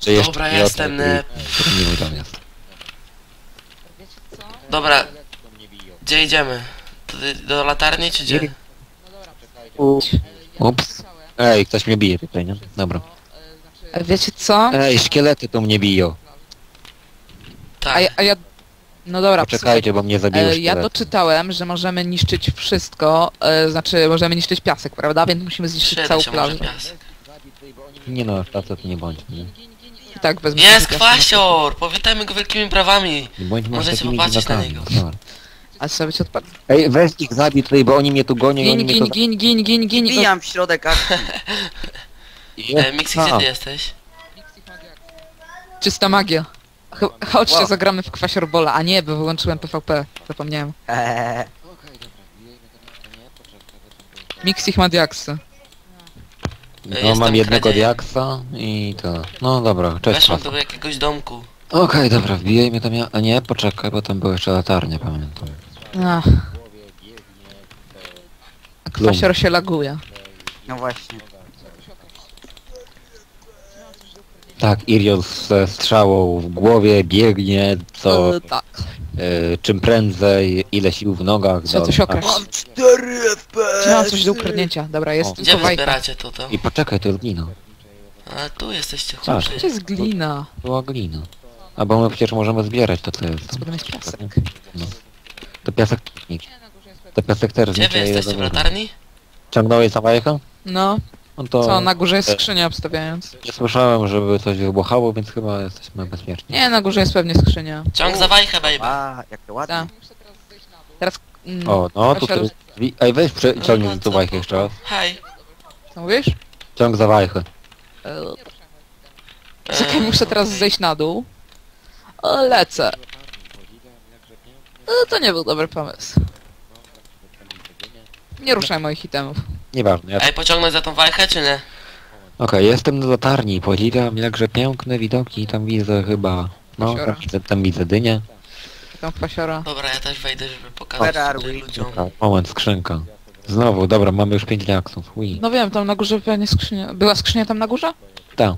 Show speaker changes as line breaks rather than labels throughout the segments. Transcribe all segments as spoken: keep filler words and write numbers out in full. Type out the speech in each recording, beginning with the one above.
To jeszcze
Dobra,
nie
jestem,
o tej-
ne.
Nie wiem, tam jest.
Dobra, gdzie idziemy? Tutaj do latarni czy gdzie?
Ups. Ej, ktoś mnie bije tutaj, nie? Dobra.
A wiecie co?
Ej, szkielety tu mnie biją.
A
Tak.
ja... A ja... No dobra,
Poczekajcie, bo mnie zabiły
słuchaj, e, ja
szkielety.
doczytałem, że możemy niszczyć wszystko, e, znaczy możemy niszczyć piasek, prawda? Więc musimy zniszczyć
Przyda
całą
się może
plażę.
piasek.
Nie no, tacy to nie bądź, nie?
I tak wezmę
Jest
sobie piasek.
kwasior! Powitajmy go wielkimi brawami.
Nie bądźmy
Możecie
takimi
popatrzeć na
dziwakami.
niego.
Dobra.
A trzeba być odpadł.
Ej, weź ich zabij tutaj, bo oni mnie tu gonią i oni
Gin,
mnie
gin,
tu...
gin, gin, gin, gin.
Wbijam w środek akcji.
E, Mixi, gdzie ty jesteś?
Czysta magia. Ch- Chodźcie,
Wow.
zagramy w kwasiorbola. A nie, bo wyłączyłem P V P. Zapomniałem.
Eee,
Mixich ma diaksy.
No,
Jestem
mam jednego
kradziejem.
diaksa i to... No dobra, cześć.
Weszłem
Okej,
do jakiegoś domku.
dobra, wbijajmy tam ja... A nie, poczekaj, bo tam były jeszcze latarnie, pamiętam.
Ach. A kwasior się laguje.
no właśnie.
Tak, Irion ze strzałą w głowie biegnie, co...
E, tak.
e, czym prędzej, ile sił w nogach...
Trzeba
do-
coś okraść.
Mam cztery F P S!
Czy mam coś do ukradnięcia? Dobra, jest
O.
Gdzie
tylko
wy
wajka.
zbieracie to to?
I poczekaj, to jest glina.
A tu jesteście
Tak.
chłopcy.
Gdzie jest glina?
Była glina. A bo my przecież możemy zbierać to, co jest.
Potem jest piasek.
No. To piasek nie. To piasek też
Gdzie wy
znicza i
jesteście w
dobra.
latarni?
Ciągnąłeś za wajchę?
No,
No to...
co, na górze jest skrzynia obstawiając.
Nie słyszałem, żeby coś wybuchało, więc chyba jesteśmy bezpieczni.
Nie, na górze jest pewnie skrzynia.
Ciąg za wajchę, baby.
A, jakie ładne.
Tak. Teraz... Mm,
O, no
Kasia,
tutaj... Ej, weź prze... ciągnij tu wajchę jeszcze raz.
Hej.
Co mówisz?
Ciąg za wajchę.
E, Czekaj, muszę teraz zejść na dół. O, lecę. E, To nie był dobry pomysł. Nie ruszaj moich itemów.
Nieważne, ja...
Ej, pociągnąć za tą wajchę, czy nie?
Okej, jestem na latarni, podziwiam jakże piękne widoki, tam widzę chyba... No,
Kasiora.
tam widzę, tam widzę dynię.
Tam kwasiora.
Dobra, ja też wejdę, żeby pokazać
Where are
tutaj
we?
ludziom.
Dobra, moment, skrzynka. Znowu, dobra, mamy już pięć diaksów. Ui.
No wiem, tam na górze pewnie skrzynia. Była skrzynia tam na górze?
Tak.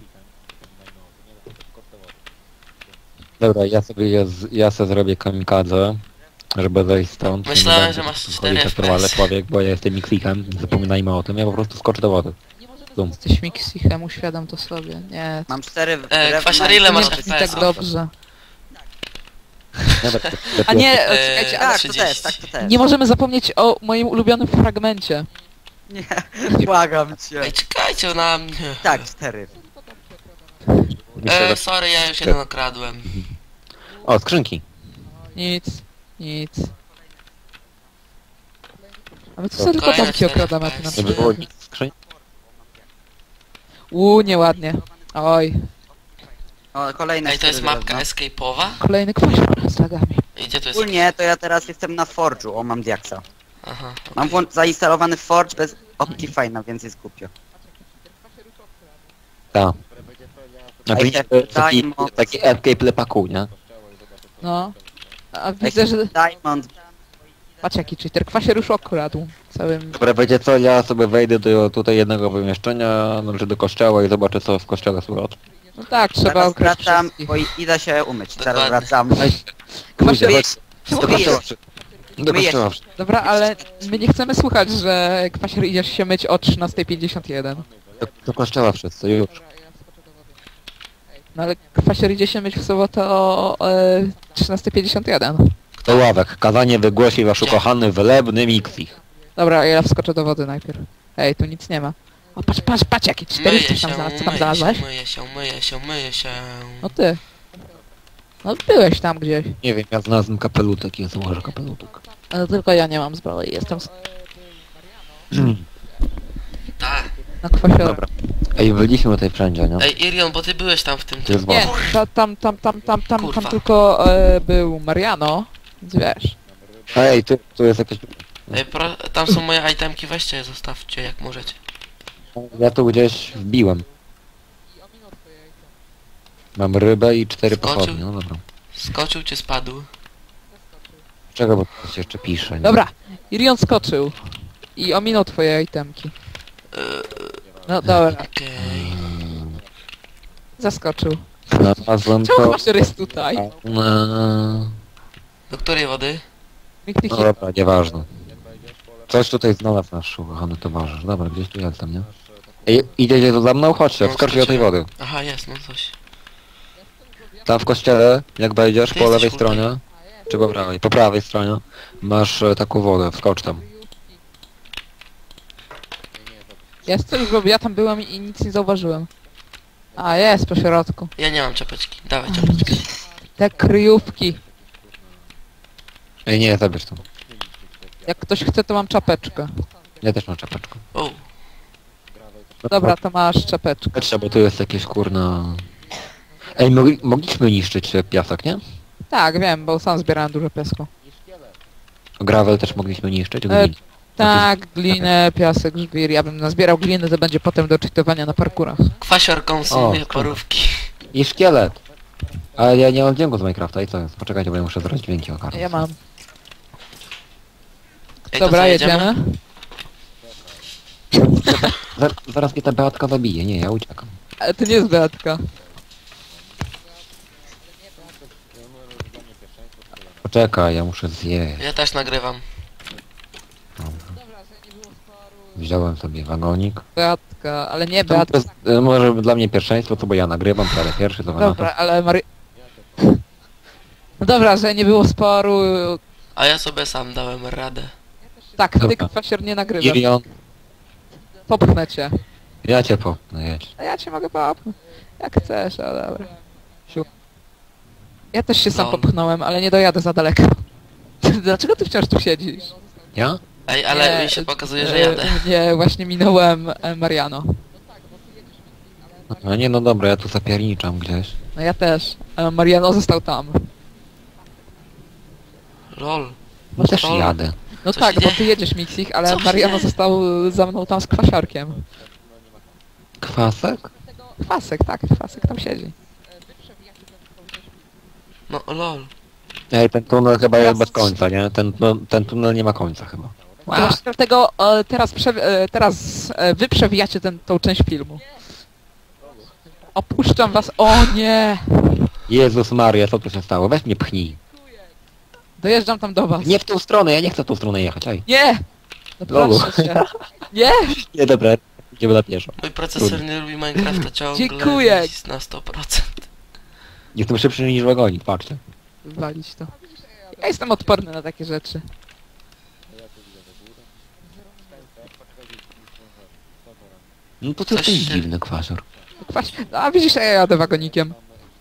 Dobra, ja sobie, ja, z- ja sobie zrobię kamikadze, żeby zejść stąd.
Myślałem,
Nie będę
że masz
chodzić
cztery
jak
F P S.
trwale człowiek, bo ja jestem Mixikiem, zapominajmy o tym, ja po prostu skoczę do wody. Zoom.
Jesteś Mixichem, uświadom to sobie. Nie,
Mam cztery
E, Kwasior, ile
to
masz
nie brzmi
F P S?
tak dobrze.
Nawet,
A nie,
Eee,
czekajcie, ale
Tak, to
trzydzieści.
też, tak, to też.
nie możemy zapomnieć o moim ulubionym fragmencie.
Nie, błagam cię.
Ej, czekajcie na mnie.
Tak, cztery.
myślę,
E,
że...
sorry, ja już jeden okradłem.
O, skrzynki.
Nic, nic. A my tu
To
sobie tylko
kolejne
domki
cztery
okradamy, a ty
F P
na
S.
Żeby
przykład.
było nic skrzyń.
Uuu, nieładnie. Oj,
O, kolejne
Ej, to jest
cztery
mapka
drewno.
escape'owa?
kolejny kwasior z lagami.
I gdzie tu jest?
Ogólnie to ja teraz jestem na Forge'u, o mam diaksa.
Aha.
Mam włą- zainstalowany Forge bez Optifine'a, więc jest głupio.
Tak. Znaczy,
Ej,
nie,
te-
taki,
Diamond.
taki escape lepaku, nie?
No. A widzę, że...
Diamond.
Patrz jaki cheater, kwasior już okradł. Całym...
Dobra, wiecie co, ja sobie wejdę do tutaj jednego pomieszczenia, znaczy do kościoła i zobaczę co w kościele słychać.
No tak, trzeba
Zaraz
okraść
wracam,
wszystkich.
bo i- idę się umyć. Zaraz
Dokładnie.
wracam.
Pójdę,
Myję-
chodź, do
myję-
kościoła. przy- Do
myję
kościoła.
się.
przy-
Dobra, ale my nie chcemy słuchać, że kwasior idziesz się myć o trzynasta pięćdziesiąt jeden.
Do, do kościoła wszyscy, już.
No ale kwasior idzie się myć w sobotę o e, trzynasta pięćdziesiąt jeden.
Do ławek. Kazanie wygłosi wasz ukochany, wylebny Mixich.
Dobra, ja wskoczę do wody najpierw. Ej, tu nic nie ma. O, patrz, patrz, patrz, jakie
Myję
czterysta
się,
tam znalazł, co tam
myję
znalazłeś?
się, myję się, myję się, myję się.
No ty. No byłeś tam gdzieś.
Nie wiem, ja znalazłem kapelutek i ja założę kapelutek.
Ale tylko ja nie mam zbroi, jestem s-
Tak.
na kwasiora.
Dobra. Ej, byliśmy tutaj wszędzie, nie?
Ej, Irion, bo ty byłeś tam w tym...
To jest
Nie,
woda.
ta, tam, tam, tam, tam, tam,
Kurwa.
tam tylko e, był Mariano, więc wiesz.
Ej, tu, tu jest jakieś...
Ej, pro... tam są moje itemki, weźcie je, zostawcie jak możecie.
Ja tu gdzieś wbiłem. Mam rybę i cztery
Skoczył.
pochodnie, no dobra.
Skoczył czy spadł?
Czego, bo to się jeszcze pisze, nie?
Dobra, Irion skoczył. I ominął twoje itemki.
Eee,
No dobra,
Okej.
zaskoczył.
Znalazłem
Czemu
to.
masz rys tutaj?
No
Do której wody?
Mik, mik, mik.
dobra, nieważne. Coś tutaj znalazł nasz ukochany towarzysz. Dobra, gdzieś tu jestem, nie? Ej, idziecie tu za mną? Chodźcie,
No,
wskoczcie do tej wody.
Aha, jest, no coś.
Tam w kościele, jak wejdziesz,
Ty
po
jesteś
lewej
kurde.
stronie, czy po prawej, po prawej stronie, masz e, taką wodę, wskocz tam.
Jest coś, bo ja tam byłem i nic nie zauważyłem. A, jest po środku.
Ja nie mam czapeczki. Dawaj czapeczkę.
Te kryjówki.
Ej, nie, zabierz to.
Jak ktoś chce, to mam czapeczkę.
Ja też mam czapeczkę.
O,
Dobra, to masz czapeczkę.
Patrzcie, bo tu jest jakieś kurna... Ej, mogli, mogliśmy niszczyć e, piasek, nie?
Tak, wiem, bo sam zbierałem dużo piasku.
Gravel też mogliśmy niszczyć,
E,
glin.
Tak, glinę, piasek, żwir. Ja bym nazbierał gliny, to będzie potem do czytowania na parkurach.
kwasior konsumuje
O,
parówki.
I szkielet! Ale ja nie mam dźwięku z Minecrafta i co jest? Poczekajcie, bo ja muszę zrobić dźwięki ogarnąć.
Ja mam.
Ej, to
Dobra,
co,
jedziemy.
Zaraz, zaraz mnie ta Beatka zabije, nie, ja uciekam.
Ale to nie jest Beatka.
Poczekaj, ja muszę zjeść.
Ja też nagrywam.
Wziąłem sobie wagonik.
Beatka, ale nie
To
Beatka.
jest, e, może dla mnie pierwszeństwo, to bo ja nagrywam, to ale pierwszy to
Dobra, ale Mary... No dobra, że nie było sporu.
A ja sobie sam dałem radę.
Tak, ty
Dobra.
kwasier nie nagrywasz.
Irion,
Popchnę cię.
ja cię popnę, jedź.
A ja cię mogę popchnąć. Jak chcesz, ale dobra. Siu. Ja też się sam
No.
popchnąłem, ale nie dojadę za daleko. Dlaczego ty wciąż tu siedzisz?
Ja?
Ej, ale
Nie,
mi się pokazuje, że
e,
jadę.
Nie, właśnie minąłem e, Mariano.
No nie, no dobra, ja tu zapierniczam gdzieś.
No ja też. E, Mariano został tam.
Lol.
No też
Lol.
jadę.
No
Co
tak,
się
bo
dzieje?
ty jedziesz Mixich, ale
Co się
Mariano
dzieje?
został za mną tam z kwasiarkiem.
Kwasek?
Kwasek, tak, kwasek tam siedzi.
No lol.
Ej, ten tunel chyba jest
Teraz-
bez końca, nie? Ten, no, ten tunel nie ma końca chyba.
To właśnie dlatego e, teraz, prze, e, teraz e, wy przewijacie ten, tą część filmu. Opuszczam was, o nie!
Jezus Maria, co tu się stało? Weź mnie pchnij.
Dojeżdżam tam do was.
Nie w tą stronę, ja nie chcę w tą stronę jechać, ej.
Nie! No
Lolu.
proszę cię. Nie!
Nie, dobra, idziemy na pieszo.
Mój procesor nie lubi Minecrafta ciągle.
Dziękuję.
Jest na sto procent.
Jestem szybszy niż wagonik, patrzcie.
Walić to. Ja jestem odporny na takie rzeczy.
No to ty
Coś
jesteś
się-
dziwny kwasior.
Kwaś... A widzisz, ja jadę wagonikiem.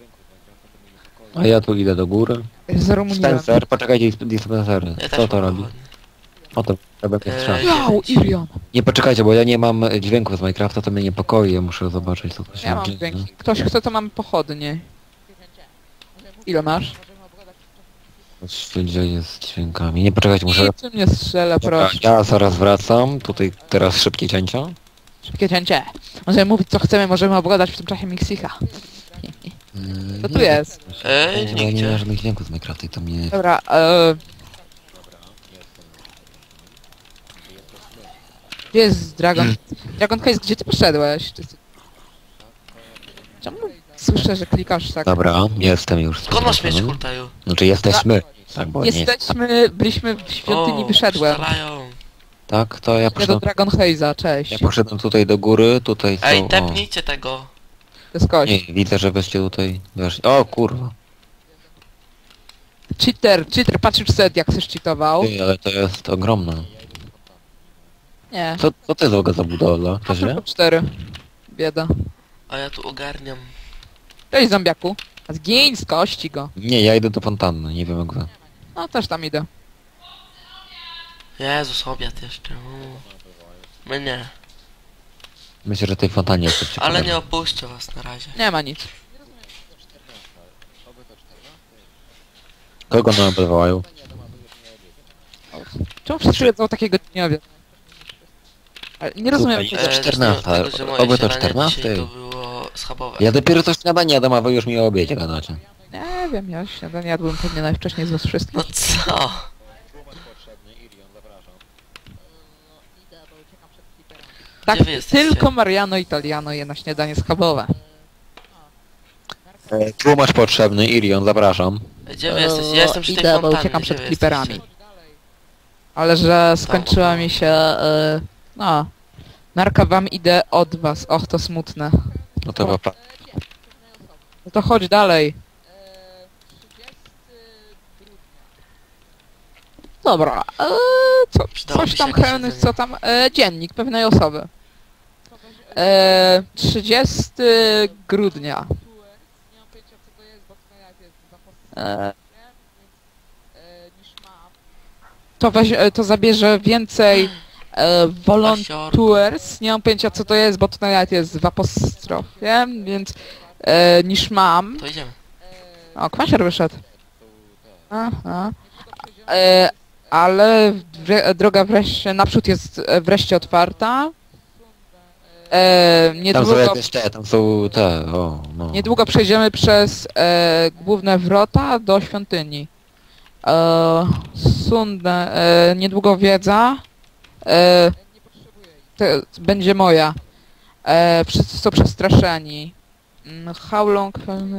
A ja tu idę do góry.
Z Rumunią.
Spencer, poczekajcie, dispensery.
Ja
Co
też
to
mam
robi?
pochodnie.
O to trzeba mnie
Eee,
strzać.
Wow, Irion.
Nie poczekajcie, bo ja nie mam e, dźwięków z Minecrafta, to mnie niepokoi, ja muszę zobaczyć co tu się
Ja mam
dzieje.
dźwięki. Ktoś chce, to mam pochodnie. Ile masz?
Co się dzieje z dźwiękami? Nie poczekajcie, muszę...
Niczym nie strzelę,
Dobra,
proszę.
ja zaraz wracam, tutaj teraz szybkie cięcia.
Szybkie cięcie. Możemy mówić co chcemy, możemy obgadać w tym czasie Mixicha.
Yy,
Co tu
nie,
jest?
Ej,
Nie, nie ma
nigdzie.
żadnych dźwięków z Minecrafta i to mnie...
Dobra, e... Gdzie jest Dragon? Dragon Case, gdzie ty poszedłeś? Czy... Czemu słyszę, że klikasz tak?
Dobra, jestem już. z
Skąd masz mieć
powrotem.
hultaju?
Znaczy jesteśmy. Tak, bo nie jest.
Jesteśmy, byliśmy w świątyni,
O,
wyszedłem.
strzelają.
Tak, to ja
Nie do
poszedłem,
Dragon Haze'a, cześć.
ja poszedłem tutaj do góry, tutaj są...
Ej,
o,
tepnijcie tego.
To jest kość.
nie, widzę, że wyście tutaj weszli. O kurwa.
Cheater, cheater, patrz już set, jak chcesz cheatował.
Ty, ale to jest ogromne.
Nie.
Co, co ty za za budowla? To źle?
Tylko cztery. Bieda.
A ja tu ogarniam.
Cześć zombiaku. A zgiń z kości go.
Nie, ja idę do fontanny, nie wiem jak wy.
No też tam idę.
Jezus, obiad jeszcze. uuu. My nie.
Myślę, że tej fontannie jest coś
Ale nie
ciekawego.
opuszczę was na razie.
Nie ma nic.
Kogo nam bywają?
Czemu wszyscy jedzą takiego dniowie? Ale nie rozumiem.
Słuchaj,
tego.
to czternasta,
dlatego, że moje
oby to
śniadanie
czternastej.
dzisiaj to było schabowe.
Ja dopiero coś śniadanie jadam, a wy już mi o obiedzie gadacie.
Nie wiem, ja śniadanie jadłem pewnie najwcześniej z was wszystkich.
No co?
Tak,
Gdzie wy jesteście?
tylko Mariano Italiano je na śniadanie schabowe.
E, Tłumacz potrzebny, Irion, zapraszam.
Gdzie wy jesteś? Ja jestem przy tej
Idę, bo
fontannie.
uciekam
Gdzie
przed
wy
creeperami.
jesteście?
Ale że skończyła
Tam.
mi się... E, no... Narka wam idę od was. Och, to smutne.
No to chyba...
No to chodź dalej. Dobra, e, co,
Przydałoby
coś
się
tam
jakieś
Helny,
jedzenie.
co tam, e, dziennik pewnej osoby. E, trzydziestego grudnia. E, to, weź, e, to zabierze więcej e, volunteers, nie mam pojęcia co to jest, bo tutaj nawet jest w apostrofie, więc e, niż mam.
To idziemy.
O, kwasier wyszedł. Aha. E, ale wre, droga wreszcie naprzód jest e, wreszcie otwarta. E,
Tam są
niedługo,
jakieś te, tam są te, o, no.
niedługo przejdziemy przez e, główne wrota do świątyni. E, Sundę, e, niedługo wiedza. E, te, będzie moja. E, wszyscy są przestraszeni. Mm, How long...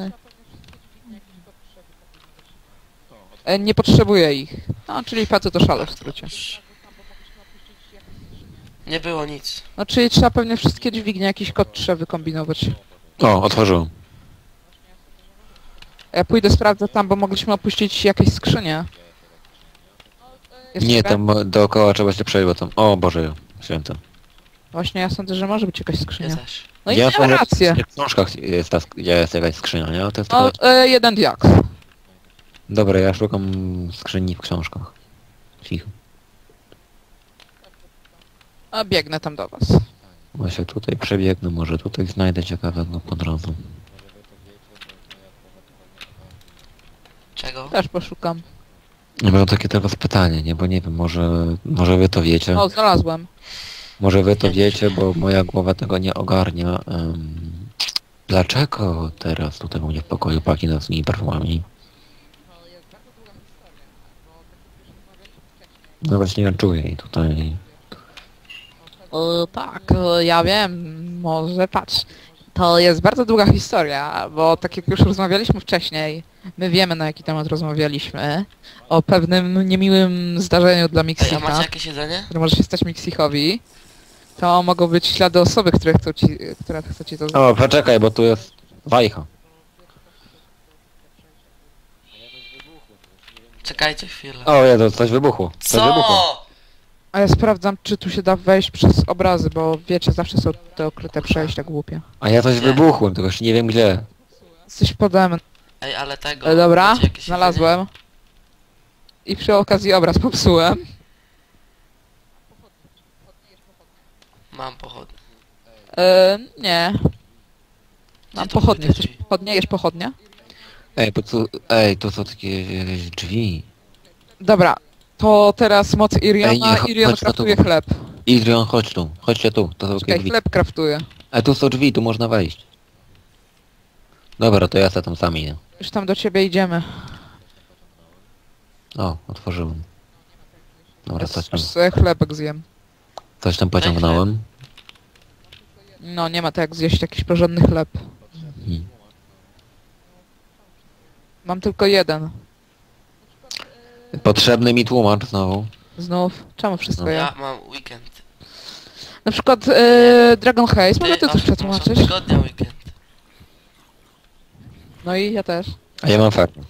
E, nie potrzebuję ich. No, czyli facet to szale w skrócie.
Nie było nic.
No, czyli trzeba pewnie wszystkie dźwignie, jakiś kod trzeba wykombinować.
O, otworzyłem.
Ja pójdę, sprawdzę tam, bo mogliśmy opuścić jakieś skrzynie. Jest
Nie,
taka-
tam dookoła trzeba się przejść, bo tam... O Boże, święty.
Właśnie, ja sądzę, że może być jakaś
Ja
skrzynia.
też.
No i
Ja
ja
sądzę,
rację.
że w książkach jest, ta, sk- jest jakaś skrzynia, nie? To jest
No,
tylko...
e, jeden diaks.
Dobra, ja szukam skrzyni w książkach. Cicho.
A biegnę tam do was.
Właśnie tutaj przebiegnę, może tutaj znajdę ciekawego po drodze.
Czego?
Też poszukam.
Ja mam takie teraz pytanie, nie? Bo nie wiem, może, może wy to wiecie.
O, znalazłem.
Może wy to wiecie, bo moja głowa tego nie ogarnia. Um, dlaczego teraz tutaj u mnie w pokoju pachnie nocnymi perfumami? No właśnie ja czuję i tutaj...
E, tak, e, ja wiem, może patrz. To jest bardzo długa historia, bo tak jak już rozmawialiśmy wcześniej, my wiemy na jaki temat rozmawialiśmy. O pewnym niemiłym zdarzeniu dla
Ej, a
Mixicha,
macie jakieś jedzenie?
które może się stać Mixichowi. To mogą być ślady osoby, które chcą ci, która chce ci to zrobić.
O, poczekaj, bo tu jest wajcha.
Czekajcie chwilę.
O, Jezu, coś wybuchło. Coś wybuchło.
Co?
A ja sprawdzam, czy tu się da wejść przez obrazy, bo wiecie, zawsze są te okryte przejścia głupie.
A ja coś
Nie.
wybuchłem, tylko jeszcze nie wiem gdzie.
Jesteś pode mną.
Ej, ale tego...
E, dobra,
macie jakieś
znalazłem. I przy okazji obraz popsułem.
jedzenie? Mam pochodnie.
E, nie. Mam
tu były
pochodnie.
te
Chcesz
drzwi?
pochodnie? Jesz pochodnie?
Ej, po co... Ej, to są takie jakieś drzwi.
Dobra. To teraz moc
Ej,
Iriona.
nie, cho-
Irion
chodź na
kraftuje
tu.
chleb.
Idrion, chodź tu. Chodźcie tu. To są takie
Czekaj,
drzwi.
chleb kraftuje.
Ej, tu są drzwi, tu można wejść. Dobra, to ja se tam sam idę.
Już tam do ciebie idziemy.
O, otworzyłem. Dobra, coś tam,
Aż sobie chlebek zjem.
coś tam pociągnąłem.
No, nie ma tak jak zjeść jakiś porządny chleb.
Hmm.
Mam tylko jeden.
Potrzebny mi tłumacz znowu.
Znów. Czemu wszystko
No.
ja?
Ja mam weekend.
Na przykład e, Dragon Haze, może ty
aż
coś
muszę
przetłumaczysz?
tygodnia weekend.
No i ja też.
A ja mam farmę.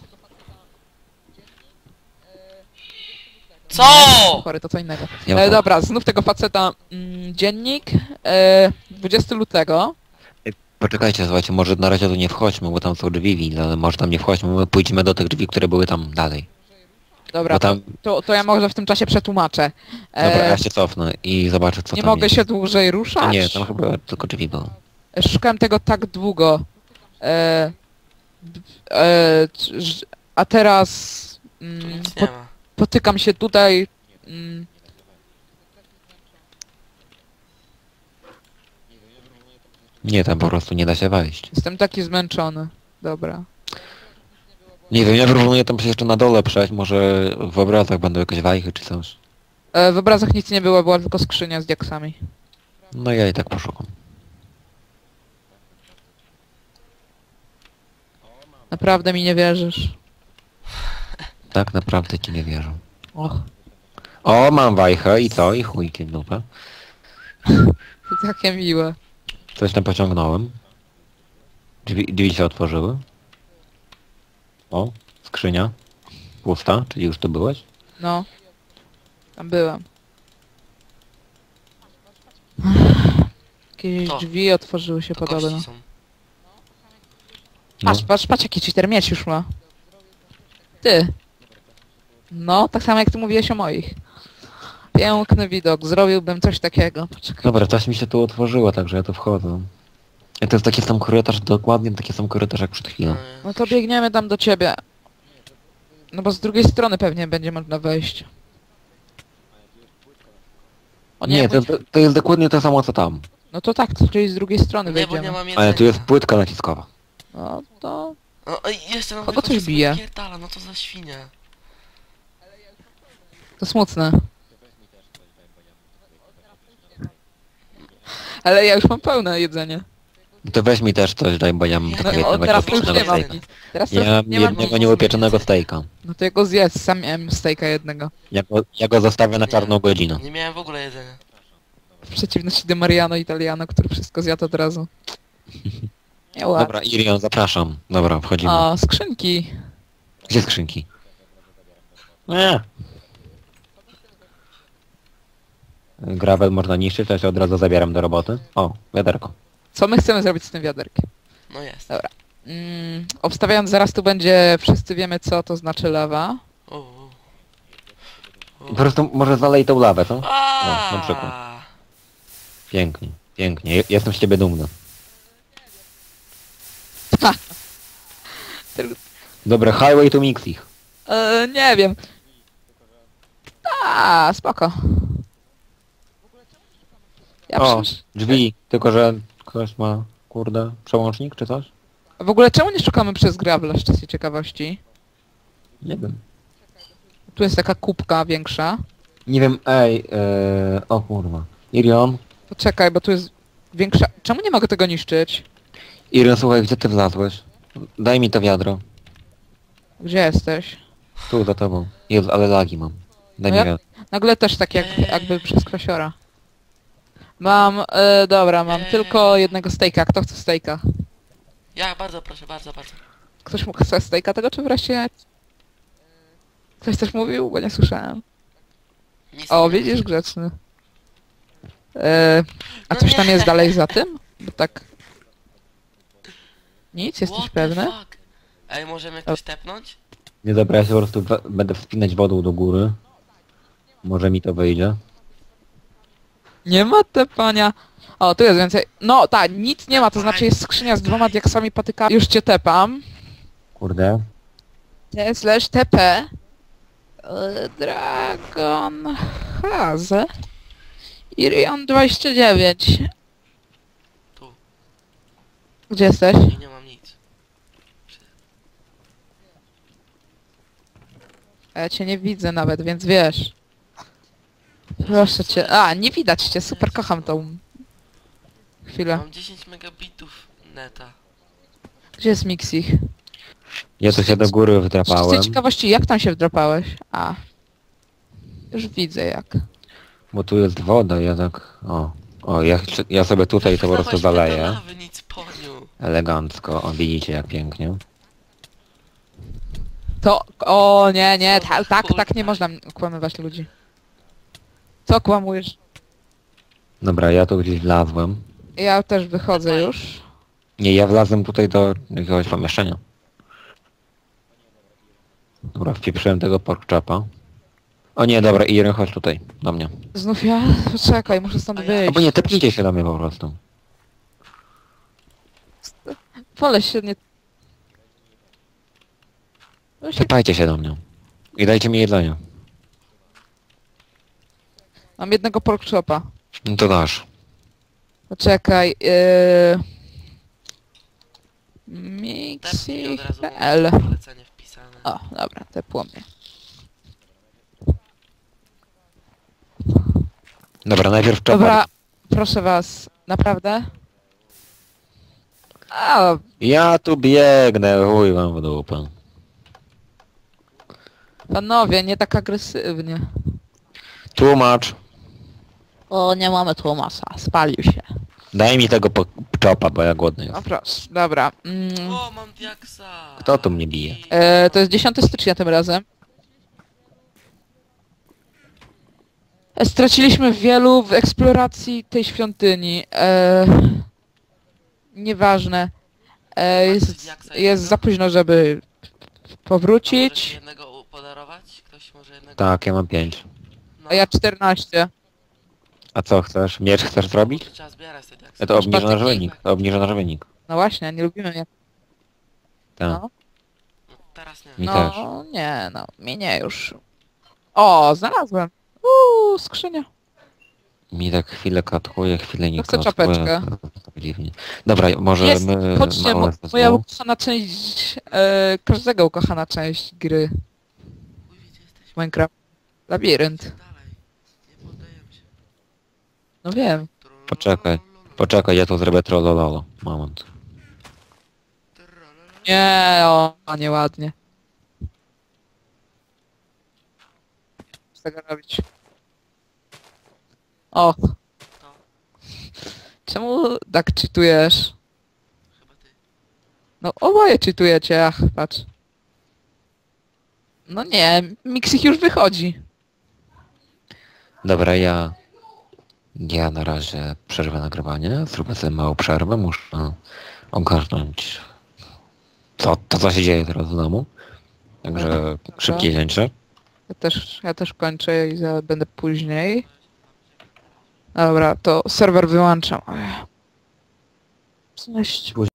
Co?
Chory, to co innego.
Ja mam
E,
farmę.
dobra, znów tego faceta. Mm, dziennik. E, dwudziestego lutego.
Poczekajcie, słuchajcie, może na razie tu nie wchodźmy, bo tam są drzwi, ale może tam nie wchodźmy, my pójdziemy do tych drzwi, które były tam dalej.
Dobra,
Bo tam,
to, to ja może w tym czasie przetłumaczę. E,
dobra, ja się cofnę i zobaczę co
nie
tam
mogę
jest.
się dłużej
A
ruszać.
nie, tam chyba tylko drzwi były.
Szukałem tego tak długo. E, d- e, c- ż- a teraz
Tu
mm,
nic
po,
nie ma.
potykam się tutaj. Mm,
Nie, tam po prostu nie da się wejść.
jestem taki zmęczony. Dobra.
Nie wiem, ja proponuję tam się jeszcze na dole przejść, może w obrazach będą jakieś wajchy czy coś.
E, w obrazach nic nie było, była tylko skrzynia z diaksami.
No ja i tak poszukam.
Naprawdę mi nie wierzysz.
Tak naprawdę ci nie wierzę.
Och,
O, mam wajchę i co? I chujki w dupę.
to takie miłe.
Coś tam pociągnąłem. Drzwi, drzwi się otworzyły. O, skrzynia. Pusta, czyli już tu byłeś?
No. Tam byłem. Jakieś
To.
drzwi otworzyły się
To
podobno.
kości są.
No.
Patrz, patrz, patrz jaki cheater miecz już ma. Ty. No, tak samo jak ty mówiłeś o moich. Piękny widok, zrobiłbym coś takiego. Poczekaj.
Dobra, coś mi się tu otworzyło, także ja tu wchodzę. I to jest taki sam korytarz, dokładnie taki sam korytarz jak przed chwilą.
E,
No to biegniemy tam do ciebie. No bo z drugiej strony pewnie będzie można wejść. O nie,
Nie,
bo-
to, to jest dokładnie to samo co tam.
no to tak, czyli z drugiej strony
Nie, bo nie
wejdziemy.
mam jedzenia.
Ale tu jest płytka naciskowa.
No to...
O, ej, jeszcze nam
Kogo
wychodzi
coś
sobie
bije?
pierdala, no to za świnia.
to smutne. Ale ja już mam pełne jedzenie.
To weź mi też coś, daj, bo ja mam
No,
tylko
No,
jednego
o, teraz to już
nieupieczonego
nie mam
stejka.
nic. Teraz to
Ja
już
mam
nie mam
jednego
nic.
nieupieczonego stejka.
No to ja go zjedz, sam miałem stejka jednego.
Ja go, ja go zostawię na czarną godzinę.
Nie miałem w ogóle jedzenia.
W przeciwności do Mariano Italiano, który wszystko zjadł od razu. Nie ładnie.
Dobra, Irion, zapraszam. Dobra, wchodzimy.
O, skrzynki.
Gdzie skrzynki? Nie. Gravel można niszczyć, to ja się od razu zabieram do roboty. O, wiaderko.
Co my chcemy zrobić z tym wiaderkiem?
No jest.
Mm, obstawiając, zaraz tu będzie, wszyscy wiemy co to znaczy lawa.
O, o.
Po prostu może zalej tą lawę, co?
A,
na przykład. Pięknie, pięknie. Je- Jestem z ciebie dumny.
Tylko-
Dobra, highway to mix ich.
E, nie wiem. A, spoko. Ja
O,
przecież...
drzwi, tylko że ktoś ma, kurde, przełącznik czy coś?
W ogóle czemu nie szukamy przez Gravela z czasy ciekawości?
Nie wiem.
Tu jest taka kubka większa.
Nie wiem, ej, ee, o kurwa. Irion,
Poczekaj, bo tu jest większa... Czemu nie mogę tego niszczyć?
Irion, słuchaj, gdzie ty wlazłeś? Daj mi to wiadro.
Gdzie jesteś?
Tu, za tobą. Jezu, ale lagi mam. Daj
No
mi
ja-
wiadro.
Nagle też tak jak, jakby przez krasiora. Mam, e, dobra, mam
Eee.
tylko jednego stejka. Kto chce stejka?
Ja, bardzo proszę, bardzo, bardzo.
Ktoś mu chce stejka tego, czy wreszcie... Ktoś coś mówił? Bo nie słyszałem.
Nic
O,
nie
widzisz,
wiem.
grzeczny. E, a
No
coś tam
nie.
jest dalej za tym? Bo tak... Nic? Jesteś
What the
pewny?
fuck? Ej, możemy ktoś tepnąć?
Nie, dobra, ja się po prostu we- będę wspinać wodą do góry. Może mi to wyjdzie.
Nie ma tepania. O, tu jest więcej. No, tak, nic nie ma, to znaczy jest skrzynia z dwoma diaksami patykami. Już cię tepam.
Kurde.
T slash tp. E, Dragon Haze. Irion dwadzieścia dziewięć.
Tu.
Gdzie jesteś?
I nie mam nic.
Ja cię nie widzę nawet, więc wiesz. Proszę cię. A, nie widać cię, super, kocham tą chwilę.
Mam dziesięć megabitów neta.
Gdzie jest Mixich?
Ja tu się do góry
Z
wdrapałem,
ciekawości, jak tam się wdrapałeś? A. Już widzę jak.
bo tu jest woda, ja tak... O, o ja, chcę- ja sobie tutaj to po prostu
Wylałeś mnie do
zaleję.
lawy, nic poniu.
Elegancko, o widzicie jak pięknie.
To, o nie, nie,
Co
ta,
za
tak,
chuj,
tak nie
tak.
można okłamywać ludzi. Co kłamujesz?
Dobra, ja tu gdzieś wlazłem.
Ja też wychodzę już.
Nie, ja wlazłem tutaj do jakiegoś pomieszczenia. Dobra, wpieprzyłem tego porkchapa. O nie, dobra, Iren, chodź tutaj, do mnie.
Znów ja? Poczekaj, muszę stąd
A ja-
wyjść.
Albo nie, tepnijcie się do mnie po prostu.
Wolę się nie... No się...
Tepajcie się do mnie. I dajcie mi jedzenie.
Mam jednego pork chopa.
No to dasz.
Poczekaj, yy...
Tepnij od razu.
Mixi.pl
Polecenie wpisane.
O, dobra, tepło mnie.
Dobra, najpierw czapa.
Dobra, proszę was, naprawdę? A,
Ja tu biegnę, chuj wam w dupę.
panowie, nie tak agresywnie.
Tłumacz,
O, nie mamy Tomasa, spalił się.
daj mi tego po- czopa, bo ja głodny
No
jestem.
proszę, dobra. Mm,
O, mam diaksa!
Kto tu mnie bije?
e, to jest dziesiątego stycznia tym razem. E, Straciliśmy wielu w eksploracji tej świątyni. E, nieważne. E, jest, jest za późno, żeby
A możesz mi
powrócić.
jednego u- podarować? Ktoś może jednego?
Tak, ja mam pięć.
No,
A ja czternaście.
A co chcesz? Miecz chcesz zrobić?
to trzeba zbierać te diaksy.
Ja to obniża nasz
patyki.
wynik. To obniża nasz wynik.
No właśnie, nie lubimy mnie.
Tak.
No,
No, teraz nie.
Mi też.
no nie, no, mnie nie już. O, znalazłem. Uuu, skrzynia.
Mi tak chwilę katuje, chwilę nie
To chcę
katuje.
czapeczkę.
Tak dziwnie. Dobra, może
Jest,
my...
chodźcie,
małe
mo-
zespoły?
moja ukochana część, e, każdego ukochana część gry
Uj, gdzie jesteś?
Minecraft. Labirynt.
Dalej. Nie poddajemy się.
No wiem.
Poczekaj, poczekaj, ja tu zrobię trollololo. Moment.
Nie, o, a nieładnie. Co tego robić? O,
To,
czemu tak czytujesz?
chyba ty.
No oboje czytujecie, ach, patrz. No nie, Mixich już wychodzi.
Dobra, ja... Ja na razie przerwę nagrywanie, zrobię sobie małą przerwę, muszę ogarnąć co, to, co się dzieje teraz w domu. Także szybkie cięcie.
Ja też, ja też kończę i za, będę później. Dobra, to serwer wyłączam. Cześć.